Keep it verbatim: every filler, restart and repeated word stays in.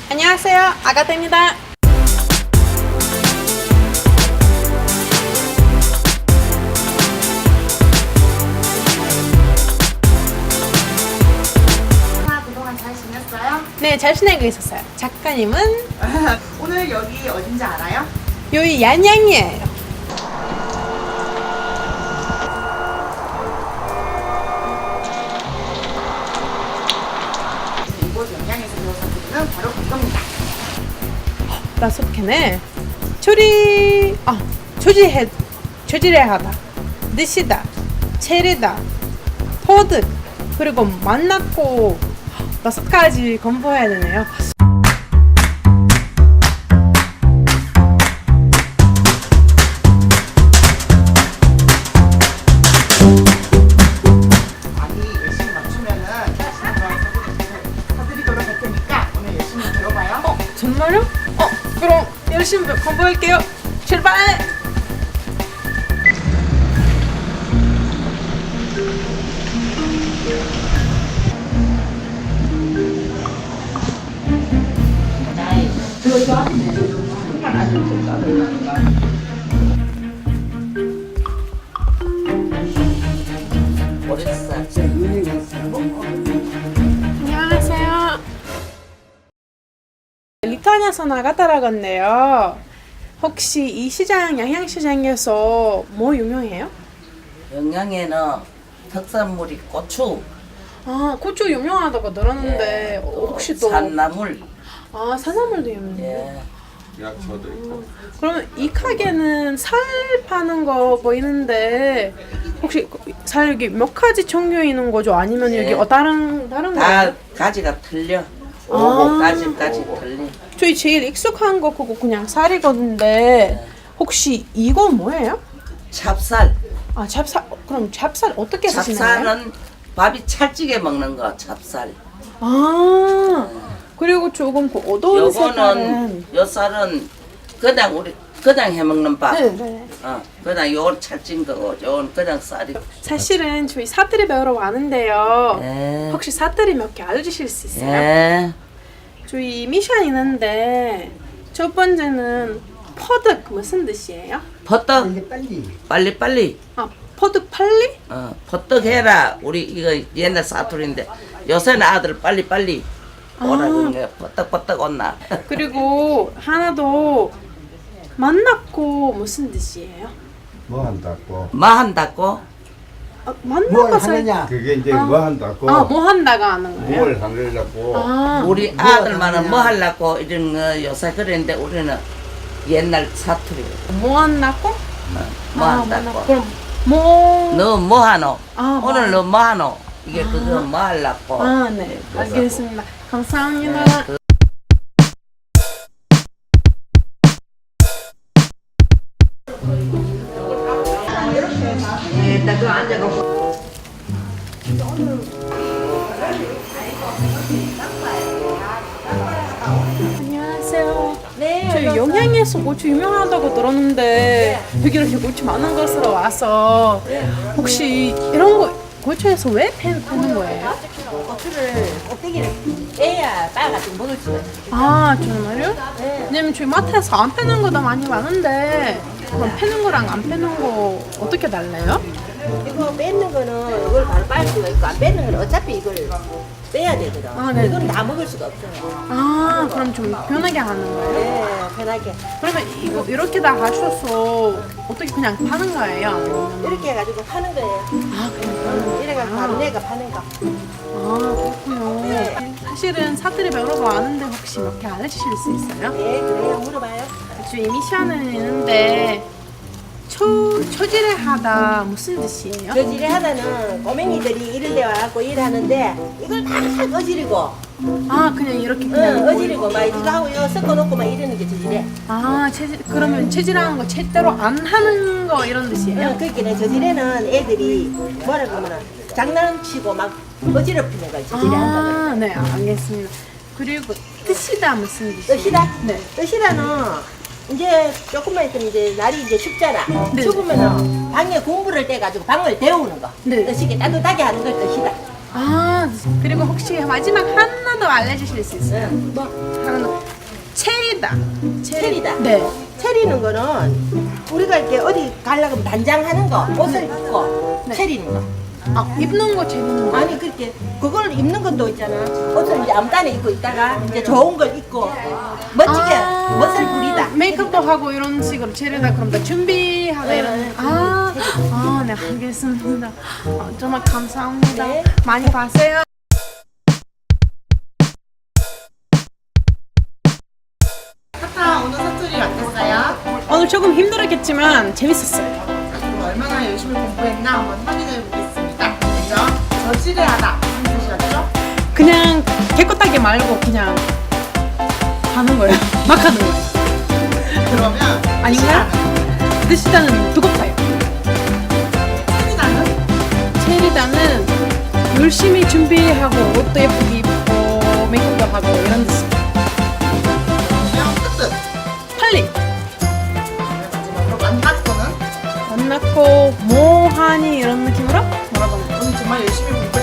안녕하세요, 아가타입니다. 그동안 잘 지냈어요? 네, 잘 지내고 있었어요. 작가님은 오늘 여기 어딘지 알아요? 여기 얀양이에요. 이곳 영양에서 배워서 드리는 바로 이겁니다. 다섯 개네. 조리, 아, 조지해, 조지레하다, 드시다, 체리다, 퍼득, 그리고 만났고 다섯 가지 공부해야 되네요. 많이 열심히 맞추면은 사드리도록 할 테니까 오늘 열심히 들어봐요. 어, 정말요? 어, 그럼 열심히 공부할게요. 출발! 안녕하세요. 리투아니아에서 나갔다라 건데요. 혹시 이 시장, 양양시장에서 뭐 유명해요? 영양에는 특산물이 고추, 아, 고추 유명하다고 들었는데 예, 또 혹시 또 산나물, 아, 산나물도 유명해요? 예, 약초도 있고. 그러면 이 가게는 살 파는 거 보이는데 혹시 살 여기 몇 가지 종류 있는 거죠? 아니면 예. 여기 어, 다른 다른 다 거예요? 가지가 틀려. 아. 오고 가지까지 틀려. 저희 제일 익숙한 거 그거 그냥 쌀이거든데 혹시 이거 뭐예요? 찹쌀, 아, 찹쌀. 그럼 찹쌀 어떻게 쓰시나요? 찹쌀은 밥이 찰지게 먹는 거, 찹쌀. 아, 그리고 조금 그 어두운 색깔은 요거는 요 쌀은 그냥 우리 그냥 해 먹는 밥. 네, 네. 어, 그냥 요건 찰진 거고, 요건 그냥 쌀이. 사실은 저희 사투리 배우러 왔는데요. 예. 혹시 사투리 몇 개 알려주실 수 있어요? 예. 저희 미션 있는데 첫 번째는 퍼득 무슨 뜻이에요? 퍼떡 빨리 빨리. 아, 퍼득 빨리? 어, 퍼떡 해라. 우리 이거 옛날 사투리인데 요새는 아들 빨리 빨리 오라 그런 거야. 퍼떡 퍼떡 온나. 그리고 하나 더 만났고 무슨 뜻이에요? 뭐 한다고? 뭐 한다고? 아, 뭘 만나고 살- 하느냐? 그게 이제 아. 뭐 한다고? 아, 뭐 한다가 하는 거예요? 뭘 하려고? 아, 우리 뭐 아들만은 하느냐? 뭐 하려고 이런 거 요새 그랬는데 우리는 옛날 사투리. 뭐 한다고? 뭐 아, 한다고? 만나- 그럼 뭐? 너 뭐 하노? 아, 뭐 오늘 하노? 너 뭐 하노? 이게 그거 뭐 하려고? 아, 네, 알겠습니다. 감사합니다. 네, 그- 안녕하세요. 네. 저희 영양에서 고추 유명하다고 들었는데 여기 이렇게 고추 많은 곳으로 와서 혹시 이런 거 고추에서 왜 패, 패는 거예요? 고추를 꼭대기를 빼야 빵 같은 거 먹을 수가 있어요. 아, 정말요? 왜냐면 저희 마트에서 안 패는 거도 많이 많은데 그럼 패는 거랑 안 패는 거 어떻게 달라요? 이거 뺏는 거는 이걸 바로 빨 수가 있고 안 뺏는 거는 어차피 이걸 빼야 되거든. 아, 네. 이건 다 먹을 수가 없어요. 아, 그럼 좀 편하게 하는 거예요? 네, 편하게. 그러면 이거 이렇게 다 하셔서 어떻게 그냥 파는 거예요? 아니면 이렇게 해가지고 파는 거예요. 아, 그냥 음, 이래가지고 밤내가 파는 거. 아, 그렇군요. 네. 사실은 사투리 배우러 왔는데 혹시 몇 개 알려주실 수 있어요? 네, 그래요. 물어봐요. 저희 미션은 있는데 초, 초지를 하다 무슨 뜻이에요? 저지를 하다는 꼬맹이들이 이런 데 와갖고 일하는데 이걸 막 어지르고, 아, 그냥 이렇게 그냥 응, 어지르고 막 이거 하고 이거 섞어놓고 막 이러는 게 저지래. 아, 체질, 그러면 체질하는 거 제대로 안 하는 거 이런 뜻이에요? 응, 그렇게 저지레는 애들이 뭐라 그러면은 장난치고 막 어지럽히는 걸 저지레 한다고. 아, 네, 알겠습니다. 그리고 뜻이다 무슨 뜻이에요? 뜻이다? 네. 뜻이라는 이제 조금만 있으면 이제 날이 이제 춥잖아. 네. 추우면은 방에 공부를 떼가지고 방을 데우는 거. 네. 뜻이게 따뜻하게 하는 걸 뜻이다. 아, 그리고 혹시 마지막 하나 더 알려주실 수 있어요? 뭐? 하나 더. 체리다. 체리다. 네. 체리는 거는 우리가 이렇게 어디 가려고 하면 단장하는 거, 옷을 입고 네. 체리는 거. 아, 입는 거 재밌는 거. 아니 그렇게 그걸 입는 것도 있잖아. 옷을 이제 아무데나 입고 있다가 이제 좋은 걸 입고 멋지게 아. 멋을 부리다. 메이크업도 하고 이런 식으로 체리다 그럼 다 준비하다 이런. 아, 아, 네 알겠습니다. 아, 정말 감사합니다. 네. 많이 봤어요. 타타 오늘 사투리 어땠어요? 오늘 조금 힘들었겠지만 재밌었어요. 그럼 얼마나 열심히 공부했나 한번 확인해 보겠습니다. 먼저 저지레하다 무슨 뜻이었죠? 그냥 깨끗하게 말고 그냥 하는 거예요. 막 하는 거예요. 그러면 아닌가요? 뜻이다는 두껍다요. 체리다는 체리다는 열심히 준비하고 옷도 예쁘게 입고 메이크업도 하고 이런 뜻. 그러면 뜻뜻. 빨리 마지막으로 만났고는 만났고 뭐하니 이런 느낌으로 뭐라고 하나? 오늘 정말 열심히 공부